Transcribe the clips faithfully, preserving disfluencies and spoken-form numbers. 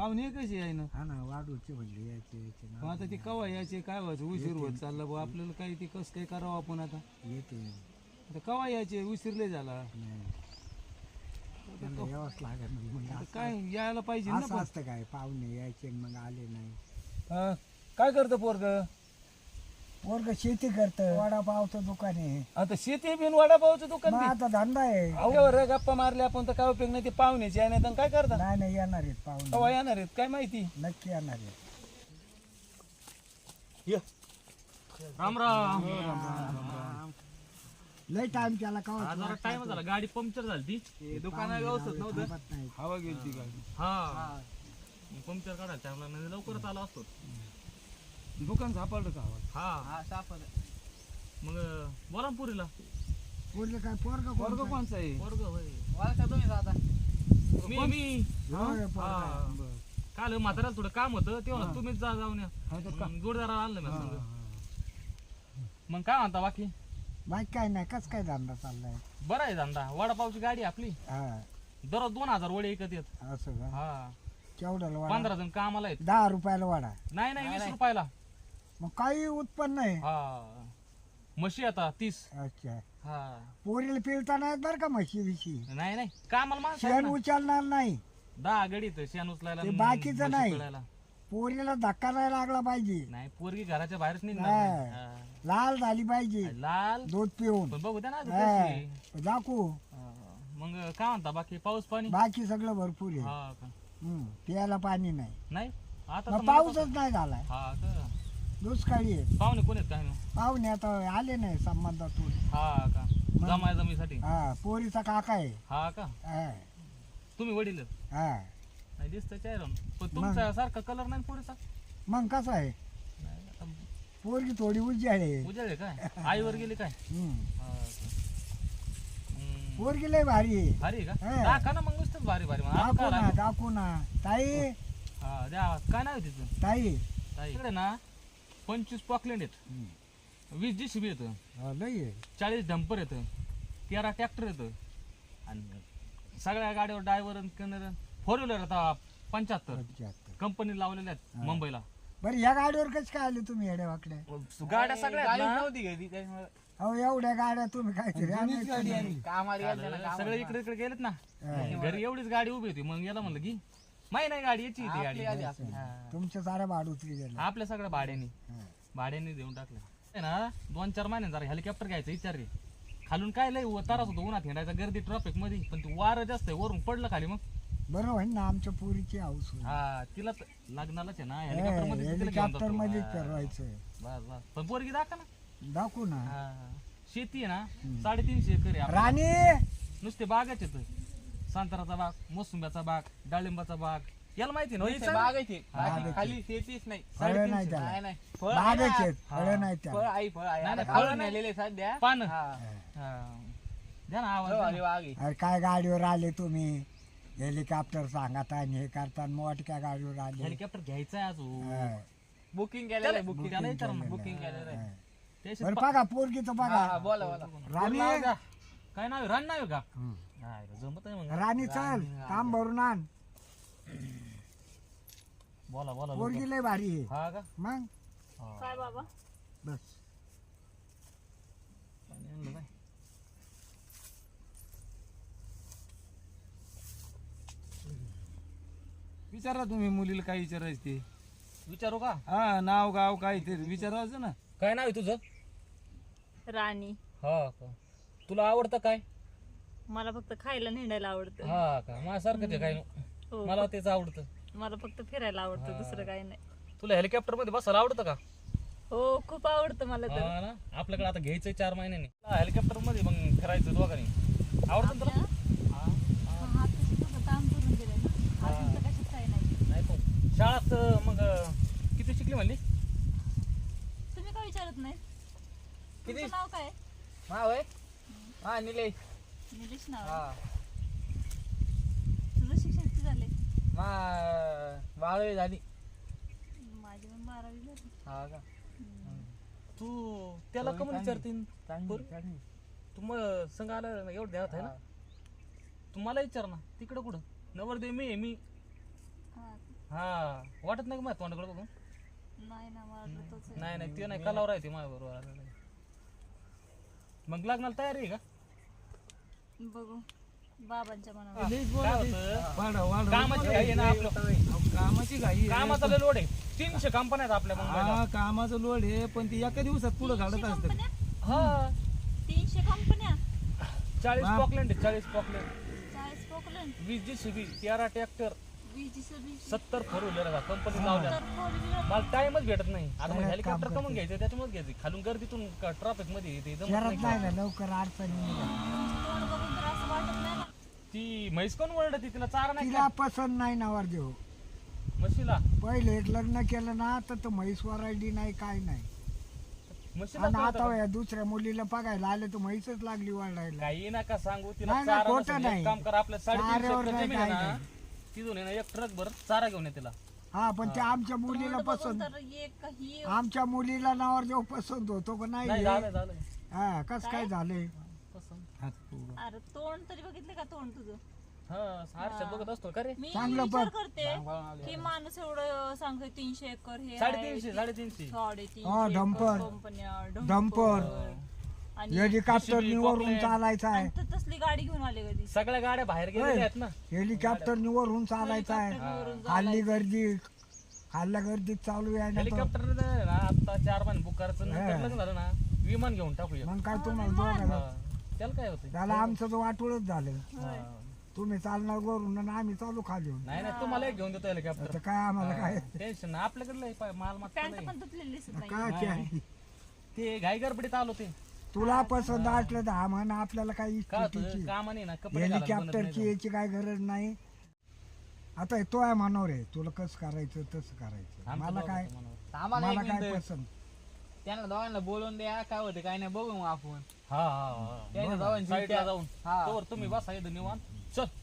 पाहुणे कशी आहे ना. हा ना वाढूचे म्हणले यायचे यायचे मग आता ती कवा यायचे काय व्हायचं उशीर होत चालला भाऊ आपल्याला काही ती कसं काय करावं आपण आता. येते आता कवा यायचे उशीरले झाला यावंच लागेल मग आता काय यायला पाहिजे ना असं पण. असतं काय पाहुणे यायचे मग आले नाही. हा, काय करतं पोरग. वर्ग शेती करतं वडापावचं दुकान आहे. आता शेती बिन वडापावचं दुकान मग बी. आता धंदा आहे. अहो, रे गप्पा मारल्या आपण तर काय उपयोग नाही. ते पाहुण्याचे आहे नाही तर काय करता. नाही नाही येणार आहेत कवा पाहुणे येणार आहेत काय माहिती. नक्की येणार आहेत. राम राम. लय टाइम केला का हा, जरा टाइम झाला गाडी पंक्चर झाली ती दुकाना व्यवस्थित नव्हतं. थांबत नाही. हवा गेली गाडी. हा पंक्चर काढायला टाइम लागला लवकरच आला असतो. दुकान सापडलं का आवाज. हा मग बोला ना पुरीला. पोरगं काय पोरग वर्ग कोणचा आहे. वर्ग होय मी मी हा, बरं. काल म्हाताऱ्याला थोडं काम होतं तेव्हा हा. तुम्हीच जा जाऊन या. हा, तर का- मग जोडदार आणलं मी हा, संग. हा. मग काय म्हणता बाकी बाईक काय नाही कस काय धंदा चाललाय. बरं आहे धंदा वडापावची गाडी आहे आपली हा दररोज दोन हजार वडे विकत येत. असं का हा केवढ्याला वाडा पंधरा जण कामाला आहेत. दहा रुपयाला वाडा. नाही नाही वीस रुपयाला. मग काही उत्पन्न आहे. हा म्हशी आता तीस. अच्छा हा पोरीला पिळता नाहीत बरं का म्हशी विशी. नाही नाही कामाला माणसं आहेत शेण ना. उचलणार नाही. दहा गडीत शेण उचलायला ते आणि बाकीचं म्हशी नाही. पिळायला. पोरीला धक्का नाही लागला पाहिजे. नाही पोरगी घराच्या बाहेरच निघणार हा. नाही. हा. लाल झाली पाहिजे लाल दूध पिऊन. पण बघू द्या ना आधी हा. कशी. दाखवू हा. मग काय म्हणता बाकी पाऊस पाणी. बाकी सगळं भरपूर आहे. हा का हम्म, प्यायला पाणी नाही. नाही आता मग तर मला पाऊसच नाही झालाय. हा का दुष्काळी आहे. पाहुणे कोण आहेत काय नाही. पाहुणे आता आले नाही संबंधातून. हा का जमाय जमीसाठी. हा पोरीचा काका आहे. हा का हा, तुम्ही वडील आहेत? हा. नाही दिसतं चेहरा पण तुमचा सारखा कलर नाही पुढचा. मग कसं आहे नाही आता पोरगी थोडी उज्जाड आहे. उजेड आहे काय आईवर गेली काय. हम्म. हा का. हम्म. पोरगी लय भारी आहे. भारी आहे का हा. दाखा ना मग नुसतंच भारी भारी मग आता दाखवू काय ना लागलं? दाखवू ना ताई हा द्या आवाज. काय नाव आहे तिचं ताई. ताई. इकडे ना पंचवीस पॉकलँड आहेत. हम्म. वीस जी सी बी येतं. हा, लय आहे. चाळीस डंपर येतं. तेरा ट्रॅक्टर येतं. आणि सगळ्या गाडीवर ड्रायव्हर कनर फोर व्हीलर आता पंच्याहत्तर पंच्याहत्तर. कंपनी लावलेल्या आहेत हा. मुंबईला. बरं या गाडीवर कस काय आले तुम्ही येड्या वाकड्या. गाड्या सगळ्या आहेत ना. अहो एवढ्या गाड्या तुम्ही काहीतरी जुनीच गाडी आहे. काल सगळे इकडे इकडे गेलेत ना. हा. घरी एवढीच गाडी उभी होती मग याला म्हणलं की माही नाही गाडी याची ती गाडी. हा. तुमच्या साऱ्या भाड उतरी गेला. आपल्या सगळ्या भाड्याने हा. भाड्याने देऊन टाकलं. आहे ना दोन चार महिने जरा हेलिकॉप्टर घ्यायचं विचार रे. खालून काय लय तारास होतो उन्हात हिंडायचा गर्दी ट्रॉफिक मध्ये पण तू वारं जास्त आहे वरून पडलं खाली मग. बरं होईल ना आमच्या पोरीची हाऊस होईल. हा तिला तर लग्नालाच आहे ना हेलिकॉप्टर मध्ये तिला घेऊन हेलिकॉप्टर जातो. मध्ये हा. फिरवायचं. बस बस पण पोरगी दाखा ना. दाखवू ना. हा. शेती आहे ना हम्म. साडेतीनशे एकर आहे आपल्या. राणी नुसते बागाच येत. संत्र्याचा बाग मोसंब्याचा बाग डाळिंबाचा बाग याला माहिती ना नुसते बाग आहे ते. बाग बाकी आहे खाली शेतीच नाही. फळं नाही साडेतीनशे. त्याला. नाही नाही फळ आहे बागच ना. आहेत फळं हा. नाही फळ त्याला. आहे फळ आहे. नाही, आता नाही, फळं फळ नाही. नेलेले सध्या. पान हा. द्या ना आवाज फळ द्या वाली ना. बाग आहे. अरे काय गाडीवर आले तुम्ही हेलिकॉप्टर सांगता आणि हे करता मोठ्या गाडीवर आले. हेलिकॉप्टर घ्यायचं आहे अजून. हा. बुकिंग केलेलं आहे बुकिंग. त्याला विचार ना. बुकिंग केलेलं आहे. हा. त्याशी बरं पा- बघा पोरगीचं हा, हा, बघा. बोला बोला. राणी काय नाव आहे? रान नाव आहे का हम्म. नाही रे, जमत आहे मग. राणी चल काम भरून आण. बोला बोला पोरगी लवकर. लय भारी आहे. हा का मग हा. काय बाबा बस पाणी आणलं काय? विचारा तुम्ही मुलीला काय विचारायचं ते. विचारू का हा नाव गाव काय ते विचारायचं ना. काय नाव आहे तुझं? राणी हा का तुला आवडतं काय? मला फक्त खायला नेण्याला आवडतं. हा का माझ्यासारखंच आहे काय हो, मला तेच आवडतं. मला फक्त फिरायला आवडतं दुसरं काही नाही. तुला हेलिकॉप्टर मध्ये बसायला आवडतं का? हो खूप आवडतं मला तर. हा ना आपल्याकडे आता घ्यायचंय चार महिन्यांनी हेलिकॉप्टर मध्ये मग फिरायचं दोघांनी. आवडतं ना तुला? हा. काम करून दिलंय ना अजून तर कशात काही नाही. नाही पण शाळात मग किती शिकली म्हणली? तुम्ही काय विचारत नाही? किती? तुमचं नाव काय? हा होय. हा निलेश. निलेश नाव हा. आहे. तुझं शिक्षण किती झाले? मा बारावी झाली. माझी पण बारावी झाली. हा का. तू त्याला होय, कमून चांगली. विचारतीन चांगली, बरं. चांगली. तू मग संघ आला ना एवढं ध्यानात आहे ना. हा. तू मला विचार ना तिकडं कुठं नवरदेव मी आहे मी. हा. हा वाटत नाही का माझ्या तोंडाकडे बघून नाही ना मला वाटलं तोच आहे. नाही नाही ते नाही कलावर आहे ते माझ्या बरोबर मग लग्नाला तयारी आहे का बघू बाबांच्या मनावर लईच काय बोलत होतं आहे. वाढा, वाढा. कामाची घाई आहे ना आपलं अहो, कामाची घाई आहे. कामाचा लय लोड आहे तीनशे कंपन्या आहेत आपल्या मुंबईला हा कामाचं लोड आहे पण ती एका दिवसात पुढे घालत तीनशे असतं कंपन्या हा तीनशे कंपन्या चाळीस बाप. पॉकलँड आहे चाळीस पॉकलँड चाळीस पोकलन वीस जी सी बी तेरा ट्रॅक्टर वीस सर्व्हिस सत्तर फोर व्हीलर कंपनी लावल्या तर फोर व्हीलर मला टाइमच भेटत नाही आता मग सगळ्यात हेलिकॉप्टर काम कमून करते. घ्यायचं त्याच्यामुळे घ्यायचं खालून गर्दीतून ट्रॉफिक मध्ये येते जमत शहरात नाही. नाही ना लवकर अडचणी निघत. तोंड बघून तर असं वाटत नाही ना ती म्हैस कोण ओरडती तिला चारा नाही तिला पसंत नाही नवर देऊ का? म्हशीला पहिले एक लग्न केलं ना तर तो म्हैस वरायडी नाही काय नाही म्हशीला आणि कळतं आता का? या दुसऱ्या मुलीला बघायला आले तर म्हैसच लागली वळायला काही नका सांगू तिला नाही, नाही, चारा खोटं नसेल. नाही. एक काम करा आपल्या साडेतीनशे चाऱ्यावर एकर नाही, जमीन आहे काही ना नाही. तिथून आहे ना एक ट्रक भर चारा घेऊन ये तिला हा पण ते आमच्या मुलीला तोंड बघून पसंत तर एक काही आमच्या मुलीला नावर देऊ पसंत होतो का नाही नाही झालं झालं हा कस काय झालंय पसंत. हात पुढं. अरे तोंड तरी बघितलं का तोंड तुझं हा आरशात बघत असतो का रे मी चांगलं विचार बघ. करते की माणूस एवढं सांगतोय तीनशे एकर हे साडेतीनशे साडेतीनशे हा, साडेतीनशे डंपर. कंपन्या डंपर. आणि हेलिकॉप्टर J C B, वरून Cockland. चालायचा आहे आणि तर तसली गाडी घेऊन आले कधी सगळ्या गाड्या बाहेर गेलेल्या आहेत ना हेलिकॉप्टर वरून चालायचा आहे हेलिकॉप्टरवरून खाल्ली गर्दी खाल्ल्या गर्दीत चालू आहे ना तो. हेलिकॉप्टर ना आता चार महिने बुक करायचं नंतर हा. लग्न झालं ना विमान घेऊन टाकूया मग काय तुम्हाला दोघांना हा. त्याला काय होतं त्याला आमचं तर वाटूळच झालं हा. तुम्ही चालणार वरून आणि आम्ही चालू खाली होऊन. नाही नाही तुम्हाला एक घेऊन देतो हेलिकॉप्टर आता काय आम्हाला काय टेन्शन नाही आपल्याकडे लय पा- माल मागता पॅन्ट लय. पण तुटलेली दिसत नाही काय काय ते घाई गडबडीत आलो ते तुला पसंत असलं तर हा म्हणा आपल्याला काही काय होतं इच्छितीची कामाने ना कपडे घालायला बनत हेलिकॉप्टरची नाही. याची काय गरज नाही आता तो आहे मनावर आहे तुला कसं करायचं तसं करायचं आमचं मला बघा काय तुम्हाला. आम्हाला मला एक काय मिनिट पसंत त्यांना दोघांना बोलवून द्या काय होते काय नाही बघू मग आपण हा हा हा त्यांच्या दोघांची साईडला त्या- जाऊन हा. तोवर तुम्ही बसा इथं निवांत चल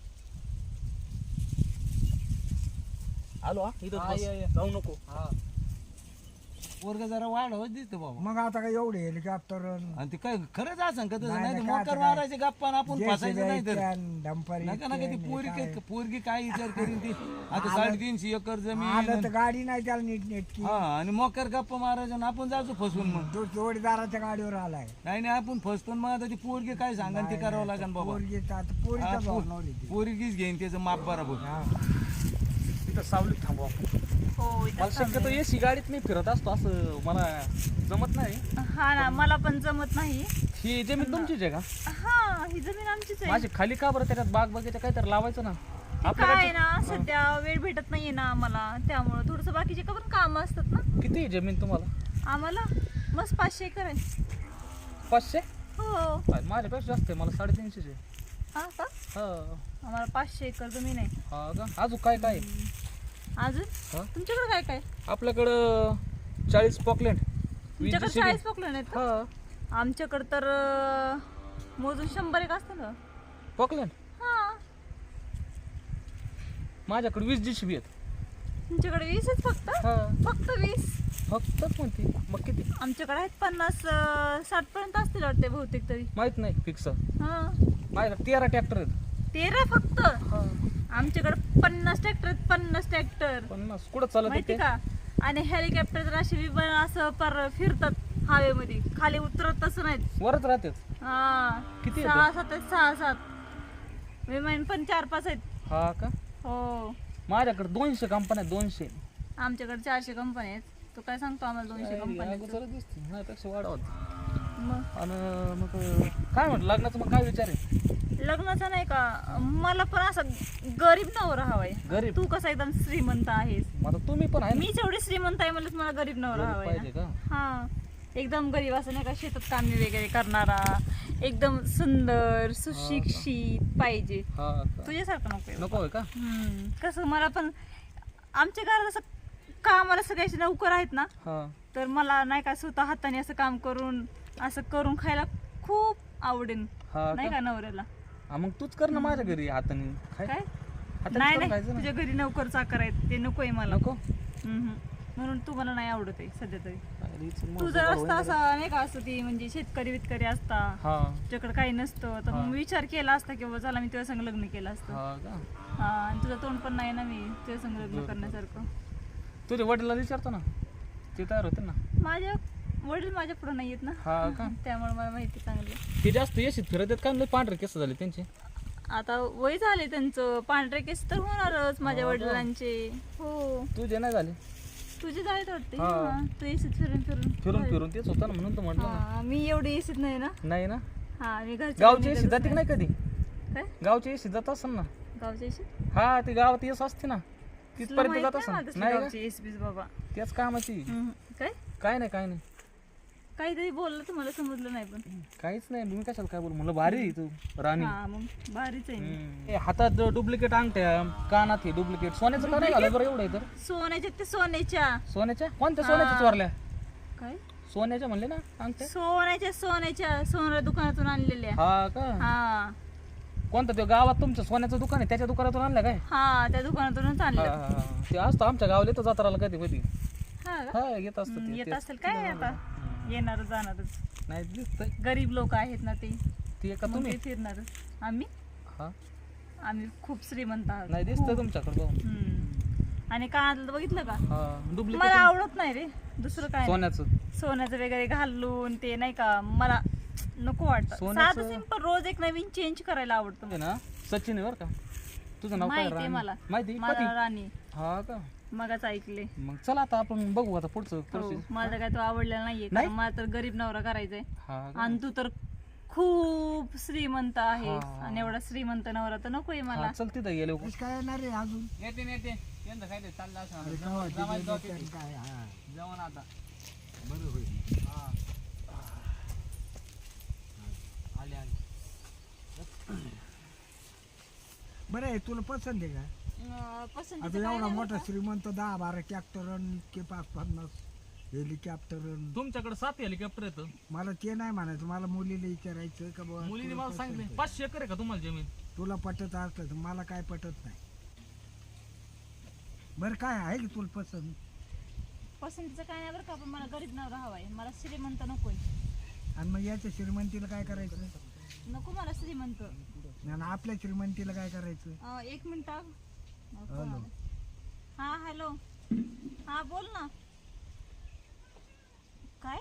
आलो हा इथं हा, बस. ये, ये. जाऊ नको हा पोरग जरा वाढवत दिसतं बाबा मग आता काय एवढे हेलिकॉप्टर आणि ते काय खरंच असं का तसं नाही, नाही नाही, मोकर काय- मारायचे गप्पा आणि आपण फसायचं नाही तर डंपर नका नका ती पोरगी काय- पोरगी काय विचार करीन ती आता आलं- साडेतीनशे एकर आलं जमीन तर गाडी नाही त्याला नीट नेटकी हा आणि मोकर गप्पा मारायचं आणि आपण जायचो फसवून मग तो जोडीदाराच्या गाडीवर आलाय नाही नाही आपण फसतो आणि मग आता ती पोरगी काय सांगा ते करावं लागेल बाबा पोरगी तर आता हा, पोरीच्या पो- धोरणावर येते. पोरगीच घेईन त्याचं माप बरोबर हा. इथं सावलीत थांबू आपण हो इथं मला शक्यतो एसी गाडीत मी फिरत असतो असं मला जमत नाही हा ना मला पण जमत नाही ही जमीन तुमचीच आहे का हा ही जमीन आमचीच आहे माझी खाली का बरं त्याच्यात बाग बगीचा काहीतरी लावायचं ना ते आपल्याकडे काय ना सध्या वेळ भेटत नाहीये ना आम्हाला त्यामुळे थोडस बाकीचे का पण काम असतात ना किती आहे जमीन तुम्हाला आम्हाला मस्त पाचशे एकर आहे पाचशे हो माझ्यापेक्षा जास्त आहे मला साडेतीनशेच आहे हा का हा आम्हाला पाचशे एकर जमीन आहे हा का अजून काय काय आहे? अजून हा? तुमच्याकडे काय काय आपल्याकडं चाळीस पॉकलँड तुमच्याकडे चाळीस पकडले आहेत का हा आमच्याकडे तर अं, मोजून शंभर एक असतं ना पॉकलँड हा माझ्याकडे वीस जी सी बी आहेत तुमच्याकडे वीस आहेत फक्त हा फक्त वीस फक्तच म्हणते मग किती आमच्याकडे आहेत पन्नास अं, साठ पर्यंत असतील वाटते बहुतेक तरी माहित नाही फिक्स हा माझ्याकडे तेरा ट्रॅक्टर आहेत तेरा फक्त हा आमच्याकडे पन्नास ट्रॅक्टर आहेत पन्नास ट्रॅक्टर पन्नास कुठं चालत माहिती ते का आणि हेलिकॉप्टर तर असे विमान असं पर फिरतात हवेमध्ये खाली उतरत तसं नाहीत वरच राहतेच हा किती सहा आहेत? सात आहेत सहा सात विमान पण चार पाच आहेत हा का हो माझ्याकडे दोनशे कंपन्या आहेत, दोनशे आमच्याकडे चारशे कंपनी आहेत तू काय सांगतो आम्हाला दोनशे कंपनी अगोदरच दिसते माझ्यापेक्षा वाढवत मग आणि मग काय म्हटलं लग्नाचं मग काय विचार आहे लग्नाचं नाही का मला पण असं गरीब नवरा हवाय गरीब? तू कसा एकदम श्रीमंत आहेस मग आता तुम्ही पण आहे ना? मीच एवढी श्रीमंत आहे मला मला गरीब नवरा गरीब हवाय पाहिजे ना का हा एकदम गरीब असं नाही का शेतात कामे वगैरे करणारा एकदम सुंदर सुशिक्षित पाहिजे हा का? तुझ्यासारखं नको आहे. नको आहे का हम्म, कसं मला पण आमच्या घरात असं कामाला सगळ्याचे नौकर आहेत ना हा तर मला नाही का स्वतः हाताने असं काम करून असं करून खायला खूप आवडेल हा नाही का? का नवऱ्याला हा, मग तूच कर ना माझ्या घरी हाताने खाय. काय हाताने नाही करून नाही खायचं ना. तुझ्या घरी नोकर चाकर आहेत ते नकोय मला नको हम्म. म्हणून तू मला नाही आवडत आहे सध्या तरी अरे, इथून मग तू जर बरोबर असता होईल असा नाही का असं ती म्हणजे शेतकरी वितकरी असता हा तुझ्याकडे काही नसतं तर हा. मग विचार केला असता की बाबा चला मी तुझ्या संग लग्न केलं असतं हा का हा आणि तुझं तोंड पण नाही ना मी तुझ्या संग लग्न करण्यासारखं. तुझ्या वडिलांना विचारतो ना, ते तयार होते ना. माझ्या वडील माझ्या पुढे नाही येत ना, हा का? त्यामुळे मला माहिती चांगली. ते जास्त येशीत फिरत आहेत का लय पांढरे केस झाले त्यांचे. आता वय झाले त्यांचं, पांढरे केस तर होणारच माझ्या हा का? वडिलांचे. हो तुझे नाही झाले. तुझे जायत वाटते. हा. हा, तू एसीत फिरून फिरून फिरून फिरून तेच होतं ना, म्हणून तर म्हटलं ना. हा, मी एवढी एसीत नाही ना. नाही ना. हा मी घरच्या गावची निघतच एसी जाते की नाही. नाही कधी. काय गावची एसी जात असेल ना. गावच्या एसीत हा ती गावात येस असते ना, तुला तिथपर्यंत माहित जात नाही मला असेल. तसली नाही का? गावची एस बीस बाबा. त्याच कामाची. हम्म. काय काय नाही काय नाही काहीतरी बोललं तर मला समजलं नाही पण. काहीच नाही. मी कशाला काय बोल म्हणलं, भारी आहे तू राणी. हा मग भारीच आहे मी. हम्म. ए, हातात डुप्लिकेट अंगठ्या, कानात हे डुप्लिकेट. सोन्याचं का नाही घालं बरं एवढं आहे तर. सोन्याच्या ते सोन्याच्या सोन्याच्या कोणत्या हा. सोन्याच्या चोरल्या. काय सोन्याच्या म्हणले ना अंगठ्या. सोन्याच्या सोन्याच्या सोन्या दुकानातून आणलेल्या. हा का. हा कोणतं ते गावात तुमचं सोन्याचं दुकान आहे त्याच्या दुकानातून आणलं काय. हा त्या दुकानातूनच हा, आणलं. हा, हा. ते असतं आमच्या गावाला येतं जत्राला कधी कधी. हा का? हा येत असतं हम्म, ते. येत तेच. असेल काय आता येणार जाणारच. नाही दिसतंय गरीब लोक आहेत ना ते, ते का मग तुम्ही. ते फिरणार. आम्ही हा आम्ही खूप श्रीमंत आहोत. नाही दिसतंय तुमच्याकडे बघून. हम्म. आणि कानातलं बघितलं का, हा मला डुप्लिकेट आवडत नाही रे दुसरं काय नाही. सोन्याचं. सोन्याचं वगैरे घालून ते नाही का मला नको वाटतं. सोन्याचं- साधं सिंपल रोज एक नवीन चेंज करायला आवडतं. आहे ना सचिन आहे बरं का. तुझं नाव काय. माहिती आहे राणी? मला. माहिती मला कधी. राणी हा का. मगच ऐकले. मग चला आता आपण बघू आता पुढचं हो, प्रोसेस. मला काय तो आवडलेला नाहीये, नाही? कारण मला तर गरीब नवरा करायचाय. हा का? आणि तू तर खूप श्रीमंत आहे, हा. आणि एवढा श्रीमंत नवरा तर नकोय मला. हा, चल तिथं गेले कसं काय येणार रे अजून येते येते यंदा काय ते चाललं असं अरे गावात जमायचं जाऊ तिथे तिथे. काय हा जाऊन आता बरं होईल. हा आले आले. बरं आहे तुला पसंत आहे का. अं, पसंतीचं आता काय एवढा नाही मोठा बरं का. श्रीमंत दहा बारा ट्रॅक्टर इतके पाच पन्नास हेलिकॉप्टर. तुमच्याकडे सात हेलिकॉप्टर येतं. मला ते नाही म्हणायचं, मला मुलीला विचारायचं का बुवा मुलीने तुला मला पसंत सांगितले आहे? पाचशे एकर आहे का तुम्हाला जमीन. तुला पटत असलं तर मला काय पटत नाही. बरं काय आहे की तुला पसंत. पसंतीचं काय नाही बरं का, पण मला गरीब नवरा हवाय, मला श्रीमंत नकोय. आणि मग याच्या श्रीमंतीला काय करायचं. नको मला श्रीमंत. आणि आपल्या श्रीमंतीला काय करायचं. अं, एक मिनिट हा. हॅलो. हा हॅलो. हा बोल ना. काय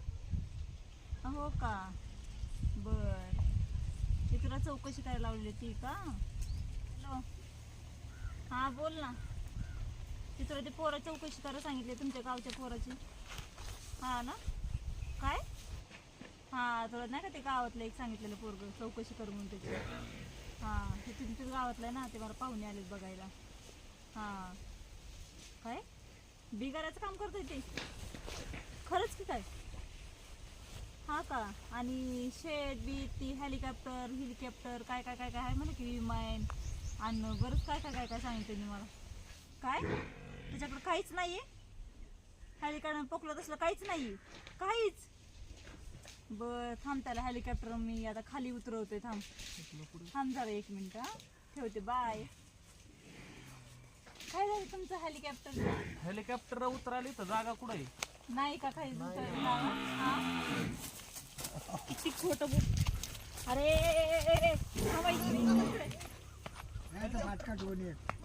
हो का. बर ते तुला चौकशी करायला लावली ती का. हॅलो. हा बोल ना. ती तुला ते पोरा चौकशी करायला सांगितली तुमच्या गावच्या पोराची. हा ना. काय हा तुला नाही का ते गावातलं एक सांगितलेलं पोरग चौकशी कर म्हणून त्याची. हा ते तुमच्याच गावातलं आहे ना, ते मला पाहुणे आलेत बघायला. हा काय बिगाराचं काम करतोय ते खरंच की काय. हा का. आणि शेड बीट ती हेलिकॉप्टर हेलिकॉप्टर काय काय काय काय आहे म्हणे की विमान आणि बरंच काय काय काय काय सांगितलं मला. काय त्याच्याकडे काहीच नाहीये. हेलिकॉप्टर पकडलं तसलं काहीच नाही काहीच. बर थांब त्याला हेलिकॉप्टर मी आता खाली उतरवते. थांब थांब जरा एक मिनिट. हा ठेवते बाय. काय झालं तुमचं हेलिकॉप्टर. हेलिकॉप्टर उतराली तर जागा कुठं आहे. नाही का काही दुसरं नाव? हा? किती खोटं बोल. अरे थांबा इकडे, इकडे. नाही तर फाटका ठेवून ये.